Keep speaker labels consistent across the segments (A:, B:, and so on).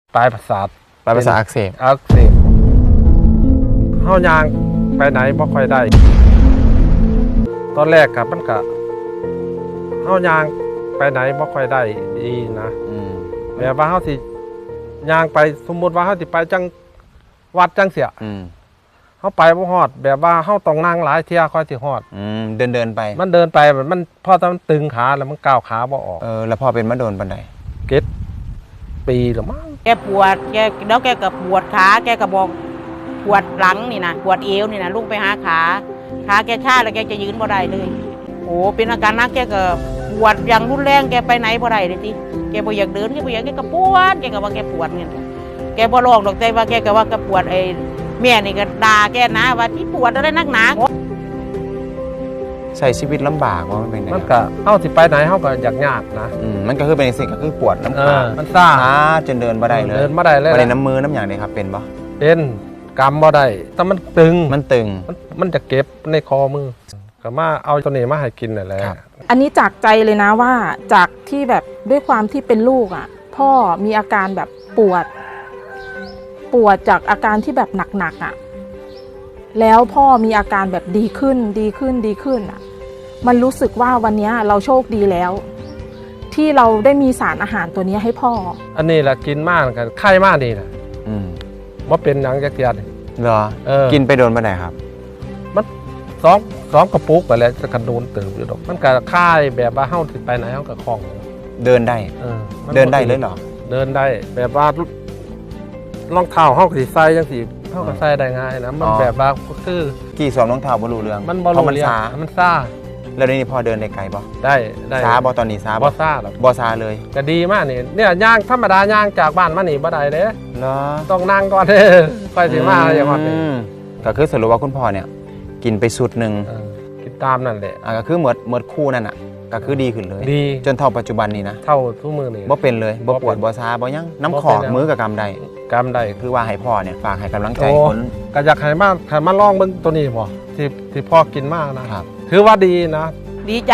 A: ปลายประสาท
B: อักเสบ
A: เฮายางไปไหนบ่ค่อยได้ตอนแรกกับมันก็เฮายางไปไหนบ่ค่อยได้ดีนะแบบว่าเฮาสิยางไปสมมุติว่าเฮาสิไปจังวัดจังเสียเฮาไปบ่ฮอดแบบว่าเฮาต้องนั่งหลายเที่ยค่อยสิฮอด
B: เดินไป
A: มันเดินไปมันพอมันตึงขาแล้วมันก้าวขาบ่ออก
B: แล้วพอเป็นมาโดนปานใด
A: ปีหรือมั้ง
C: แกปวดแล้วแกก็ปวดขาแกก็บอกปวดหลังนี่นะปวดเอวนี่นะลุกไปหาขาแกชาแล้วแกจะยืนบ่ได้เลยโอ้เป็นอาการนักแกก็ปวดอย่างรุนแรงแกไปไหนบ่ได้เลยทีแกบ่อยากเดินแกบ่อยากแกก็ปวดแกก็ว่าแกปวดเนี่ยแกบ่ร้องดอกใจว่าแกก็ว่าแกปวดไอ้แม่นี่ก็ด่าแกนะว่าที่ปวดอะไรนักหนา
B: ใช้ชีวิตลำบากว่ามันเป็นไง
A: มันก็เฮาสิไปไหนเฮาก็ยากนะ
B: มันก็คือเป็นสิ่งก็คือปวดน้ำขา
A: มันซ่า
B: จนเดินบ่ได้เลย
A: เดินบ่ได้เลย
B: บ่ได้น้ำมือน้ำอย่างนี้ครับเป็นบ่
A: เป็นกำบ่ได้แต่มันตึงมันจะเก็บในคอมือก็มาเอาตัวนี้มาให้กินนั่นแหละ
D: อันนี้จากใจเลยนะว่าจากที่แบบด้วยความที่เป็นลูกอ่ะพ่อมีอาการแบบปวดจากอาการที่แบบหนักๆอ่ะแล้วพ่อมีอาการแบบดีขึ้นอ่ะมันรู้สึกว่าวันนี้เราโชคดีแล้วที่เราได้มีสารอาหารตัวนี้ให้พ่อ
A: อันนี้แหละกินมากกันไข้มากนี่นะว่าเป็นหนังจักรยาน
B: เหรอกินไปโดนมาไหนครับ
A: มันสองกระปุกไปแล้วจะกระโดนตื่นอยู่ดอกมันก็ค่ายแบบว่าเฮ้าติดไปไหนเฮ้ากับคล่อง
B: เดินได้เดินได้เลยเหรอ
A: เดินได้แบบว่ารองเท้าเฮ้าสีใส่ยังสีเฮ้าก็ใส่ได้ง่ายนะมันแบบว่าคือ
B: กี่สวมรองเท้าบรรลุเรื่อง
A: มันบรรลุเรื่องมันซ่า
B: แล้วนี่พอเดินได้ไกลบ่
A: ได้
B: ซาบ่ตอนนี้ซา
A: บ่ซ่าหรอก
B: บ่ซาเลย
A: ก็ดีมากนี่เนี่ยย่างธรรมดาย่างจากบ้านมานี่บ่ได้เด้
B: เหรอ
A: ต้องนั่งก่อนเด้ค่อยสิมาอย่างว่าเป็น
B: ก็คือสรุปว่าคุณพ่อเนี่ยกินไปสุดนึง
A: กินตามนั่นแหละ
B: ก็คือหมดคู่นั่นน่ะก็คือดีขึ้นเลย
A: ดี
B: จนเท่าปัจจุบันนี้นะ
A: เท่าทุกมือนี่
B: บ่เป็นเลยบ่ปวดบ่ซาบ่ยังน้ำขอมือกับกำได้คือว่าให้พ่อเนี่ยฝากให้กำลังใจคน
A: ก็อยากให้มาลองเบิ่งตัวนี้บ่ที่พ่อกินมากนะครับถือว่าดีนะ
C: ดีใจ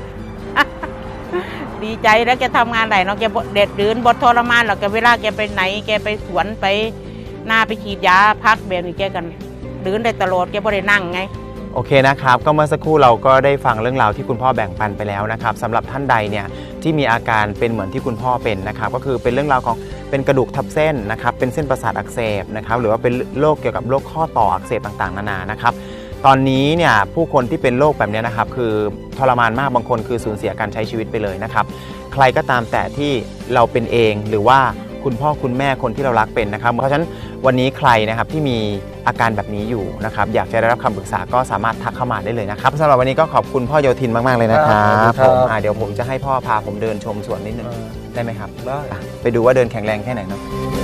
C: ดีใจแล้วแกทำงานไหนเนาะแกเด็ดดืนบดทรมานหรอกแกเวลาแกไปไหนแกไปสวนไปหน้าไปฉีดยาพักแบบนี้แกกันดืนได้ตลอดแกบ่ได้นั่งไง
B: โอเคนะครับก็เมื่อสักครู่เราก็ได้ฟังเรื่องราวที่คุณพ่อแบ่งปันไปแล้วนะครับสำหรับท่านใดเนี่ยที่มีอาการเป็นเหมือนที่คุณพ่อเป็นนะครับก็คือเป็นเรื่องราวของเป็นกระดูกทับเส้นนะครับเป็นเส้นประสาทอักเสบนะครับหรือว่าเป็นโรคเกี่ยวกับโรคข้อต่ออักเสบต่างๆนานานะครับตอนนี้เนี่ยผู้คนที่เป็นโรคแบบนี้นะครับคือทรมานมากบางคนคือสูญเสียการใช้ชีวิตไปเลยนะครับใครก็ตามแต่ที่เราเป็นเองหรือว่าคุณพ่อคุณแม่คนที่เรารักเป็นนะครับเพราะฉะนั้นวันนี้ใครนะครับที่มีอาการแบบนี้อยู่นะครับอยากจะได้รับคำปรึกษาก็สามารถทักเข้ามาได้เลยนะครับสำหรับวันนี้ก็ขอบคุณพ่อโยธินมากๆเลยนะครับผมเดี๋ยวผมจะให้พ่อพาผมเดินชมสวนนิดนึงได้ไหมครับได้ไปดูว่าเดินแข็งแรงแค่ไหนเนาะ